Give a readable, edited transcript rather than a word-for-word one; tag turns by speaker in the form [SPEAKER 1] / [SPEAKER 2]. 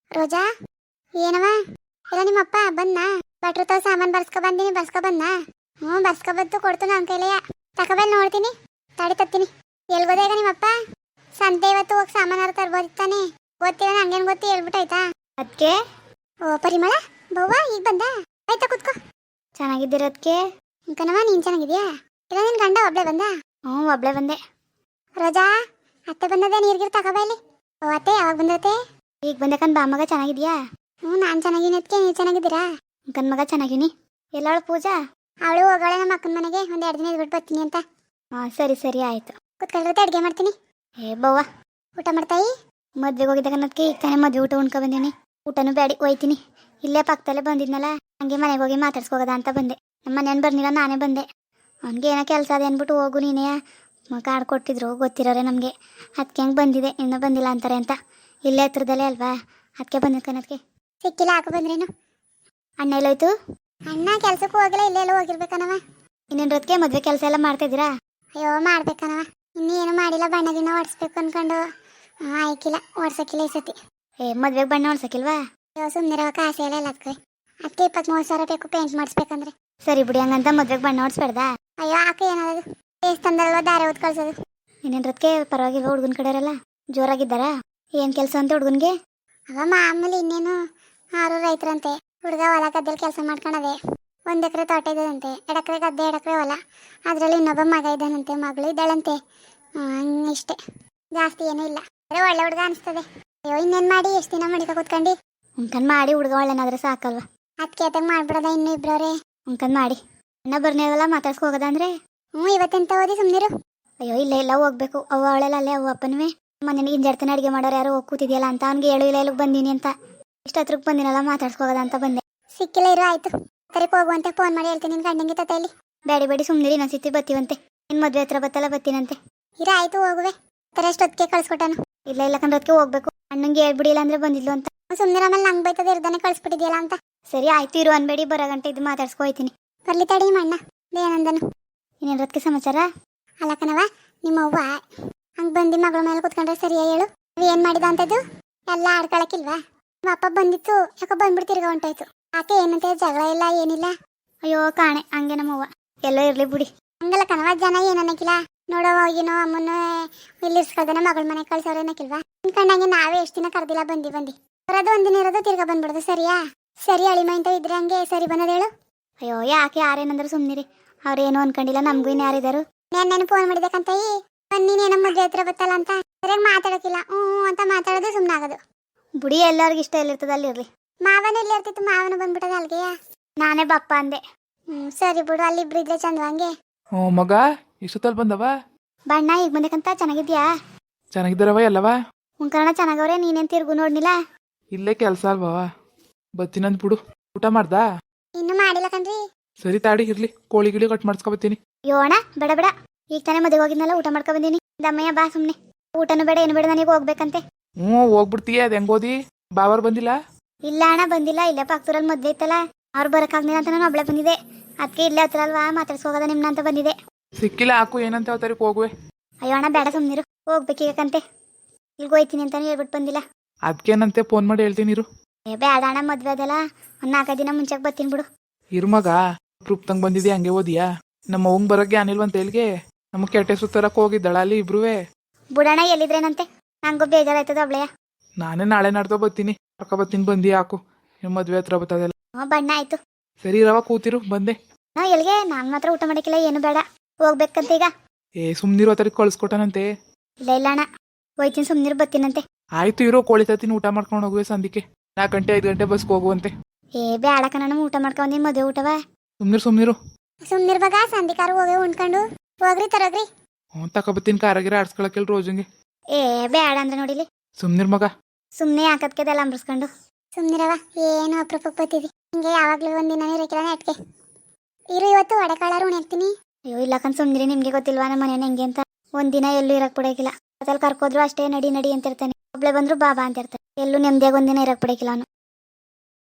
[SPEAKER 1] ರೋಜಾ ಏನವ ಇಲ್ಲ ನಿಮ್ಮಪ್ಪ ಬಂದ್ನಾ? ಭಟ್ರು ತಾವ್ ಸಾಮಾನ್ ಬರ್ಸ್ಕೊ ಬಂದಿನಿ, ಬರ್ಸ್ಕೊ ಬಂದ್ನಾ? ಹ್ಞೂ ಬರ್ಸ್ಕೊ ಬಂತು, ಕೊಡ್ತು ನನ್ನ ಕೈಲೆಯ. ತಕೊಬಂದು ನೋಡ್ತೀನಿ, ತಡಿ ತತ್ತೀನಿ. ಎಲ್ಗೋದ ಈಗ ನಿಮ್ಮಪ್ಪ? ಸಂತೆ ಇವತ್ತು ಹೋಗಿ ಸಾಮಾನಾರು ತರ್ಬೋದಿತ್ತಾನೆ. ಗೊತ್ತಿಲ್ಲ ನಂಗೇನು ಗೊತ್ತಿ, ಹೇಳ್ಬಿಟ್ಟಾಯ್ತಾ ಅದಕ್ಕೆ. ಓ ಪರಿಮಳ ಬವ್ವ ಈಗ ಬಂದ? ಆಯ್ತಾ ಕುತ್ಕೋ. ಚೆನ್ನಾಗಿದ್ದೀರದಕ್ಕೆ ಕಣವ, ನೀನ್ ಚೆನ್ನಾಗಿದ್ಯಾ? ಇಲ್ಲ ನಿನ್ ಗಂಡ ಒಬ್ಳೆ ಬಂದ? ಹ್ಞೂ ಒಬ್ಳೆ ಬಂದೆ. ರೋಜಾ ಅತ್ತೆ ಬಂದದೆ, ನೀರ್ಗಿರ್ ತಗೋಬಾ ಇಲ್ಲಿ. ಓ ಅತ್ತೆ ಯಾವಾಗ ಬಂದತ್ತೆ? ಈಗ ಬಂದೆ ಕಣ್ ಬಾ ಮಗ, ಚೆನ್ನಾಗಿದ್ಯಾ? ಹ್ಞೂ ನಾನು ಚೆನ್ನಾಗಿನಿ. ಅದಕ್ಕೆ ನೀವು ಚೆನ್ನಾಗಿದ್ದೀರಾ? ಕಣ್ ಮಗ ಚೆನ್ನಾಗಿನಿ. ಎಲ್ಲವಳು ಪೂಜಾ? ಅವಳು ಹೋಗೋಳೆ ನಮ್ಮ ಅಕ್ಕನ ಮನೆಗೆ, ಒಂದು 2 ದಿನ ಇದ್ಬಿಟ್ಟು ಬರ್ತೀನಿ ಅಂತ. ಹಾಂ ಸರಿ ಸರಿ ಆಯಿತು. ಕುತ್ಕೊಳ್ಳುತ್ತೆ, ಅಡುಗೆ ಮಾಡ್ತೀನಿ. ಏ ಬವ್ವ ಊಟ ಮಾಡ್ತಾಯಿ? ಮದ್ವೆಗೆ ಹೋಗಿದ್ದಾಗ ಅನ್ನೋದಕ್ಕೆ ಈಗ ತಾನೇ ಮದುವೆ ಊಟ ಉಣ್ಕೊ ಬಂದೀನಿ. ಊಟನೂ ಬೇಡಿ ಹೋಯ್ತೀನಿ. ಇಲ್ಲೇ ಪಕ್ಕದಲ್ಲೇ ಬಂದಿದ್ನಲ್ಲ, ಹಂಗೆ ಮನೆಗೆ ಹೋಗಿ ಮಾತಾಡ್ಸ್ಕೋಗದ ಅಂತ ಬಂದೆ. ನಮ್ಮ ಮನೇನು ಬರ್ನಿಲ್ಲ, ನಾನೇ ಬಂದೆ. ಅವ್ನಿಗೆ ಏನೋ ಕೆಲಸ ಅದೇ ಅಂದ್ಬಿಟ್ಟು ಹೋಗು ನೀನೇ ಕಾರ್ಡ್ ಕೊಟ್ಟಿದ್ರು, ಗೊತ್ತಿರೋರೆ ನಮಗೆ. ಅದಕ್ಕೆ ಹೆಂಗೆ ಬಂದಿದೆ, ಇನ್ನೂ ಬಂದಿಲ್ಲ ಅಂತಾರೆ ಅಂತ. ಇಲ್ಲೇ ಹತ್ರದಲ್ಲೇ ಅಲ್ವಾ, ಅದಕ್ಕೆ ಬಂದಿದ್ಕನದಕ್ಕೆ. ಸಿಕ್ಕಿಲ್ಲ ಹಾಕೋ ಬಂದ್ರೇನು? ಅಣ್ಣ ಎಲ್ಲೋಯ್ತು? ಅಣ್ಣ ಕೆಲ್ಸಕ್ಕೂ ಹೋಗಿಲ್ಲ, ಇಲ್ಲೆಲ್ಲ ಹೋಗಿರ್ಬೇಕನವ. ಇನ್ನೇನು ರೊತ್ತಿಗೆ ಮದುವೆ ಕೆಲಸ ಎಲ್ಲ ಮಾಡ್ತಿದ್ದೀರಾ? ಅಯ್ಯೋ ಮಾಡ್ಬೇಕನವ, ಇನ್ನೇನು ಮಾಡಿಲ್ಲ. ಬಣ್ಣ ಗಿಣ್ಣ ಹೊಡ್ಸ್ಬೇಕು ಅನ್ಕೊಂಡು ಆಯ್ಕಿಲ್ಲ, ಹೊಡ್ಸಕ್ಕಿಲ್ಲ ಈ ಸತಿ. ಮದ್ವೆಗೆ ಬಣ್ಣ ಹೊಡ್ಸಕ್ಕಿಲ್ವಾ? ಅಯ್ಯೋ ಸುಮ್ಮನೆ ಕಾಸೆ ಎಲ್ಲ ಅದಕ್ಕೆ. ಅದಕ್ಕೆ 23,000 ಬೇಕು ಪೇಂಟ್ ಮಾಡಿಸ್ಬೇಕಂದ್ರೆ. ಸರಿ ಬಿಡಿ, ಹಂಗಂತ ಮದ್ವೆಗೆ ಬಣ್ಣ ಹೊಡ್ಸ್ಬೇಡ್ದಾ? ಅಯ್ಯೋ ಆಕೆ ಏನಾದ್ರು ದೇವಸ್ಥಾನದಲ್ವ ದಾರೆ ಹೊತ್ತು ಕಳ್ಸೋದು. ಇನ್ನೇನು ರೊತ್ತಿಗೆ ಪರವಾಗಿಲ್ವ ಹುಡುಗನ ಕಡೆಯವರೆಲ್ಲ ಜೋರಾಗಿದ್ದಾರಾ? ಏನು ಕೆಲಸ ಅಂತ ಹುಡುಗನ್ಗೆ? ಅವ ಮಾಮೂಲಿ, ಇನ್ನೇನು. ಆರು ರೈತರಂತೆ. ಹುಡುಗ ಹೊಲ ಗದ್ದೆಲಿ ಕೆಲಸ ಮಾಡ್ಕೊಳದೆ. 1 ಎಕರೆ ತೋಟ ಇದ್ದದಂತೆ, 2 ಎಕರೆ ಗದ್ದೆ, 2 ಎಕರೆ ಹೊಲ. ಅದರಲ್ಲಿ ಇನ್ನೊಬ್ಬ ಮಗ ಇದ್ದಾನಂತೆ, ಮಗಳು ಇದ್ದಾಳಂತೆ. ಇಷ್ಟೇ, ಜಾಸ್ತಿ ಏನೂ ಇಲ್ಲ. ಅರೆ ಒಳ್ಳೆ ಹುಡುಗ ಅನಿಸ್ತದೆ. ಅಯ್ಯೋ ಇನ್ನೇನು ಮಾಡಿ, ಎಷ್ಟು ದಿನ ಮಡಿಕ ಕೂತ್ಕೊಂಡು. ಉಂಕಂದು ಮಾಡಿ, ಹುಡುಗ ಒಳ್ಳೆನಾದ್ರೆ ಸಾಕಲ್ವ. ಅದಕ್ಕೆ ಆತಂಗ ಮಾಡ್ಬಿಡೋದ ಇನ್ನೂ ಇಬ್ಬರವ್ರೆ. ಉಂಕಂದು ಮಾಡಿ ಅಣ್ಣ ಬರ್ನೇವಲ್ಲ ಮಾತಾಡ್ಸ್ಕೊ ಹೋಗೋದಂದ್ರೆ. ಹ್ಞೂ ಇವತ್ತೆಂತ ಓದಿ ಸುಮ್ಮನಿರು. ಅಯ್ಯೋ ಇಲ್ಲ ಇಲ್ಲ ಹೋಗ್ಬೇಕು. ಅವ್ವ ಅವಳೆಲ್ಲ ಅಲ್ಲೇ, ಅವ್ವ ಅಪ್ಪನವೇ ಮನೆಗೆ ಹಿಂಜಾಡ್ತಾನೆ ಅಡುಗೆ ಮಾಡೋರು ಯಾರು ಹೋಗಿ ಕೂತಿದ್ಯಲ್ಲ ಅಂತ ಅವ್ನಿಗೆ ಹೇಳು. ಇಲ್ಲ ಇಲ್ಲಿಗೆ ಬಂದೀನಿ ಅಂತ. ಇಷ್ಟು ಹತ್ರಕ್ಕೆ ಬಂದಿನಲ್ಲ, ಮಾತಾಡ್ಸ್ಕೋಗೋದ ಅಂತ ಬಂದೆ. ಸಿಕ್ಕಿಲ್ಲ ಇರು, ಆಯ್ತು. ಕರೆಗೆ ಹೋಗುವಂತೆ ಫೋನ್ ಮಾಡಿ ಹೇಳ್ತೀನಿ ನಿನ್ನ ಗಂಡಂಗೆ ತತೆಯಲ್ಲಿ. ಬೇಡಿ ಬೇಡಿ ಸುಮ್ಮನಿರಿ, ಇನ್ನೊಂದು ಸಿತ್ತಿ ಬತ್ತೀವಂತೆ. ನಿನ್ನ ಮದುವೆ ಹತ್ರ ಬತ್ತಲ್ಲ, ಬತ್ತೀನಂತೆ. ಇರ ಆಯ್ತು, ಹೋಗುವೆ. ತರ ಎಷ್ಟೊತ್ತಿಗೆ ಕಳ್ಸ್ಕೊಟ್ಟಾನು? ಇಲ್ಲ ಇಲ್ಲ ಕಂದ್ರೊತ್ತಿಗೆ ಹೋಗ್ಬೇಕು. ಅಣ್ಣಂಗೆ ಹೇಳ್ಬಿಡಿಲ್ಲ ಅಂದ್ರೆ ಬಂದಿದ್ಲು ಅಂತ. ಸುಮ್ಮನೆ ಆಮೇಲೆ ನಂಗೆ ಬೈತದೆ, ಇರ್ದಾನೆ ಕಳ್ಸ್ಬಿಟ್ಟಿದ್ಯಲ್ಲ ಅಂತ. ಸರಿ ಆಯ್ತು, ಇರು ಅನ್ಬೇಡಿ, ಬರೋ ಗಂಟೆ ಇದು ಮಾತಾಡ್ಸ್ಕೊ ಹೋಯ್ತೀನಿ. ಬರ್ಲಿ ತಡಿ ಅಣ್ಣ ಏನಂದನು. ಇನ್ನೇನು ರೊತ್ತಿಗೆ ಸಮಾಚಾರ? ಅಲ್ಲ ಕಣವ, ನಿಮ್ಮ ಅವ್ವ ಹಂಗೆ ಬಂದು ಮಗಳ ಮೇಲೆ ಕುತ್ಕೊಂಡ್ರೆ ಸರಿಯಾ ಹೇಳು? ಏನು ಮಾಡಿದ ಅಂತದ್ದು ಎಲ್ಲ ಆಡ್ಕೊಳಕ್ಕಿಲ್ವಾ? ನಿಮ್ಮ ಅಪ್ಪ ಬಂದಿತ್ತು, ಯಾಕೋ ಬಂದ್ಬಿಟ್ಟು ತಿರ್ಗಾ ಹೊಂಟಾಯ್ತು. ಆಕೆ ಏನಂತೆ, ಜಗಳ ಇಲ್ಲ ಏನಿಲ್ಲ? ಅಯ್ಯೋ ಕಾಣೆ, ಹಂಗೆ ನಮ್ಮವ್ವ. ಎಲ್ಲೋ ಇರ್ಲಿ ಬಿಡಿ. ಹಂಗಲ್ಲ ಕಣವ, ಜನ ಏನನ್ನಕ್ಕಿಲ್ಲ. ನೋಡೋ ಹೋಗಿನೋ ಅಮ್ಮನ ಇಲ್ಲಿ ಇರ್ಸ್ಕೊಳ್ದಾನೆ ಮಗಳ ಮನೆಗೆ ಕಳ್ಸೋರು ಏನಕ್ಕಿಲ್ವಾ? ಅನ್ಕೊಂಡಂಗೆ ನಾವೇ ಎಷ್ಟು ದಿನ ಕರ್ದಿಲ್ಲ, ಬಂದು ಬರೋದು ಒಂದಿನ ಇರೋದು, ತಿರ್ಗಾ ಬಂದ್ಬಿಡೋದು. ಸರಿಯಾ? ಸರಿ ಅಳಿಮ ಅಂತ ಇದ್ರೆ ಹಂಗೆ ಸರಿ ಬಂದದ ಹೇಳು? ಅಯ್ಯೋ ಯಾಕೆ, ಯಾರೇನಂದ್ರು ಸುಮ್ಮನಿರಿ. ಅವ್ರೇನು ಅನ್ಕೊಂಡಿಲ್ಲ, ನಮಗೂ ಇನ್ನು ಯಾರಿದ್ದಾರು. ನಾನು ಫೋನ್ ಮಾಡಿದಕ್ಕಂತ ನೀನೇನೋ ಮದುವೆ ಹತ್ರ ಬತ್ತಲ್ಲ ಅಂತ ಸರಿಯಾಗಿ ಮಾತಾಡೋಕ್ಕಿಲ್ಲ. ಹ್ಞೂ ಅಂತ ಮಾತಾಡೋದು, ಸುಮ್ಮನೆ ಆಗೋದು. ಬುಡಿ ಎಲ್ಲರಿಗೂ ಇಷ್ಟ ಎಲ್ಲಿರ್ತದೆ ಅಲ್ಲಿರ್ಲಿ. ಮಾವನ ಎಲ್ಲಿ ಇರ್ತಿತ್ತು, ಮಾವನ ಬಂದ್ಬಿಟ್ಟದ ಅಲ್ಲಿಗೆ. ನಾನೇ ಬಪ್ಪ ಅಂದೆ. ಸರಿ ಬಿಡು, ಅಲ್ಲಿ ಇಬ್ರು ಇದ್ರೆ ಚಂದವಂಗೆ.
[SPEAKER 2] ಹ್ಞೂ ಮಗ, ಇಷ್ಟೊತ್ತಲ್ಲಿ ಬಂದವ?
[SPEAKER 1] ಬಣ್ಣ ಈಗ ಬಂದಕ್ಕಂತ. ಚೆನ್ನಾಗಿದ್ಯಾ?
[SPEAKER 2] ಚೆನ್ನಾಗಿದ್ದಾರವ ಎಲ್ಲವ?
[SPEAKER 1] ಉಂಕರಣ ಚೆನ್ನಾಗವ್ರೆ. ನೀನೇನು ತಿರ್ಗು ನೋಡ್ನಿಲ್ಲ?
[SPEAKER 2] ಇಲ್ಲೇ ಕೆಲಸ ಅಲ್ವವ, ಬತ್ತೀನಂದ್ ಬಿಡು. ಊಟ ಮಾಡ್ದಾ?
[SPEAKER 1] ಇನ್ನು ಮಾಡಿಲ್ಲ ಕಣ್ರಿ.
[SPEAKER 2] ಸರಿ ತಾಡಿ ಇರ್ಲಿ, ಕೋಳಿ ಗಿಳಿ ಕಟ್ ಮಾಡಿಸ್ಕೊಬತ್ತೀನಿ.
[SPEAKER 1] ಯೋಣ ಬೇಡ ಬೇಡ, ಈಗ ತಾನೇ ಮದುವೆ ಹೋಗಿದ್ನಲ್ಲ, ಊಟ ಮಾಡ್ಕೊ ಬಂದೀನಿ. ದಮ್ಮಯ್ಯ ಬಾ ಸುಮ್ಮನೆ. ಊಟನೂ ಬೇಡ ಏನು ಬೇಡ, ನನಗೆ ಹೋಗ್ಬೇಕಂತೆ.
[SPEAKER 2] ಹ್ಞೂ ಹೋಗ್ಬಿಡ್ತೀಯ, ಅದು ಹೆಂಗೋದಿ? ಬಾವರ್ ಬಂದಿಲ್ಲ?
[SPEAKER 1] ಇಲ್ಲ ಅಣ್ಣ ಬಂದಿಲ್ಲ. ಇಲ್ಲೇ ಪಕ್ಕದೂರಲ್ಲಿ ಮದುವೆ ಇತ್ತಲ್ಲ, ಅವ್ರು ಬರೋಕ್ಕಾಗ್ಲಿಲ್ಲ ಅಂತ ನಾನು ಒಬ್ಳೆ ಬಂದಿದೆ. ಅದಕ್ಕೆ ಇಲ್ಲೇ ಹತ್ರ ಅಲ್ವಾ, ಮಾತಾಡ್ಸ್ಕೋಗದ ನಿಮ್ನ ಅಂತ ಬಂದಿದೆ.
[SPEAKER 2] ಸಿಕ್ಕಿಲ್ಲ ಹಾಕು, ಏನಂತ ಹೇಳ್ತಾರಿಕ್ ಹೋಗುವೆ.
[SPEAKER 1] ಅಯ್ಯೋ ಅಣ್ಣ ಬೇಡ ಸುಮ್ಮನಿರು, ಹೋಗ್ಬೇಕೀಗಂತೆ. ಇಲ್ಲಿಗೆ ಹೋಯ್ತೀನಿ ಅಂತಾನೆ ಹೇಳ್ಬಿಟ್ಟು ಬಂದಿಲ್ಲ.
[SPEAKER 2] ಅದಕ್ಕೇನಂತೆ ಫೋನ್ ಮಾಡಿ ಹೇಳ್ತೀನಿ ಇರು.
[SPEAKER 1] ಬೇಡ ಅಣ್ಣ, ಮದುವೆ ಅದಲ್ಲ, ಒಂದು 4 ದಿನ ಮುಂಚೆಗೆ ಬರ್ತೀನಿ ಬಿಡು.
[SPEAKER 2] ಇರು ಮಗ, ಪ್ರೂಫ್ತಂಗೆ ಬಂದಿದ್ಯಾ, ಹಂಗೆ ಓದಿಯಾ? ನಮ್ಮ ಅವಂಗೆ ಬರೋಕ್ಕೆ ಅನಿಲ್ವಂತ ಹೇಳಿಗೆ, ನಮಗೆ ಕೆಟ್ಟೆ ಸುತ್ತರಕ್ಕೆ ಹೋಗಿದ್ದಾಳ ಅಲ್ಲಿ ಇಬ್ರುವೆ.
[SPEAKER 1] ಬುಡಣ್ಣ ಎಲ್ಲಿದ್ರೇನಂತೆ? ನಂಗೂ ಬೇಜಾರಾಯ್ತದ ಒಬ್ಳೆಯ.
[SPEAKER 2] ನಾನೇ ನಾಳೆ ನಾಡ್ದೋ ಬರ್ತೀನಿ, ಬರ್ತೀನಿ ಬಂದಿ ಹಾಕು. ನಿಮ್ಮ ಮದುವೆ ಹತ್ರ ಬರ್ತದಲ್ಲ.
[SPEAKER 1] ಬಣ್ಣ ಆಯ್ತು.
[SPEAKER 2] ಸರಿ ರವ ಕೂತಿರು, ಬಂದೆ.
[SPEAKER 1] ಎಲ್ಲಿಗೆ? ನಾನು ಮಾತ್ರ ಊಟ ಮಾಡಿಕ್ಕಿಲ್ಲ, ಏನು ಬೇಡ, ಹೋಗ್ಬೇಕಂತ ಈಗ.
[SPEAKER 2] ಸುಮ್ನಿರು, ಆತರಿಗೆ ಕಳ್ಸ್ಕೊಟ್ಟನಂತೆ.
[SPEAKER 1] ಇಲ್ಲ ಇಲ್ಲ ಅಣ್ಣ, ಹೋಯ್ತೀನಿ ಸುಮ್ನಿರು, ಬರ್ತೀನಂತೆ.
[SPEAKER 2] ಆಯ್ತು ಇರೋ, ಕೋಳಿ ತತ್ತೀನಿ, ಊಟ ಮಾಡ್ಕೊಂಡು ಹೋಗುವೆ. ಸಂದಿಕ್ಕೆ 4 ಗಂಟೆ 5 ಗಂಟೆ ಬಸ್ಗೆ ಹೋಗುವಂತೆ.
[SPEAKER 1] ಬೇಡ ಕಣ, ಊಟ ಮಾಡ್ಕೊಂಡಿ ಮದುವೆ ಊಟವ.
[SPEAKER 2] ಸುಮ್ನಿರು
[SPEAKER 1] ಸುಮ್ನಿರ್ ಬಗ, ಸಂಧಿಕಾರ ಹೋಗಿ ಉಣ್ಕೊಂಡು ಹೋಗ್ರಿ ತರಗ್ರಿ.
[SPEAKER 2] ತಕೊಬತ್ತೀನಿ, ಕಾರಾಗಿರ ಆಡ್ಸ್ಕೊಳಕ್ಕೆಲ್ ರೋಜಂಗೆ.
[SPEAKER 1] ಬೇಡ ಅಂದ್ರೆ ನೋಡಿಲಿ.
[SPEAKER 2] ಸುಮ್ನಿರ್ ಮಗ.
[SPEAKER 1] ಸುಮ್ನೆ ಹಾಕದ್ಕೆದೆಲ್ಲ ಅಂಬ್ರಸ್ಕೊಂಡು ಸುಮ್ನಿರವ. ಏನು ಅಪ್ರೂಪಕ್ಕೆ ಬತ್ತಿದಿ, ಹಿಂಗೆ ಯಾವಾಗ್ಲೂ ಒಂದಿನ ಇರಕ್ಕಿಲ್ಲ ನೆಟ್ಗೆ. ಇರು, ಇವತ್ತು ಒಡೆಕಾಳಾರು ಉಣ್ಯಾಕ್ತೀನಿ. ಅಯ್ಯೋ ಇಲ್ಲಕಂದ್ ಸುಮ್ನಿರಿ, ನಿಮ್ಗೆ ಗೊತ್ತಿಲ್ವಾ ನಮ್ಮ ಮನೇನ ಹೆಂಗೆ ಅಂತ. ಒಂದಿನ ಎಲ್ಲೂ ಇರಕ್ ಬಿಡಕಿಲ್ಲ. ಅದ್ರಲ್ಲಿ ಕರ್ಕೋದ್ರು ಅಷ್ಟೇ, ನಡಿ ನಡಿ ಅಂತಿರ್ತಾನೆ. ಒಬ್ಳೆ ಬಂದ್ರು ಬಾಬಾ ಅಂತಿರ್ತಾನೆ. ಎಲ್ಲೂ ನೆಮ್ಮದಿಯಾಗಿ ಒಂದಿನ ಇರಕ್ ಬಿಡಕಿಲ್ಲ ಅವನು.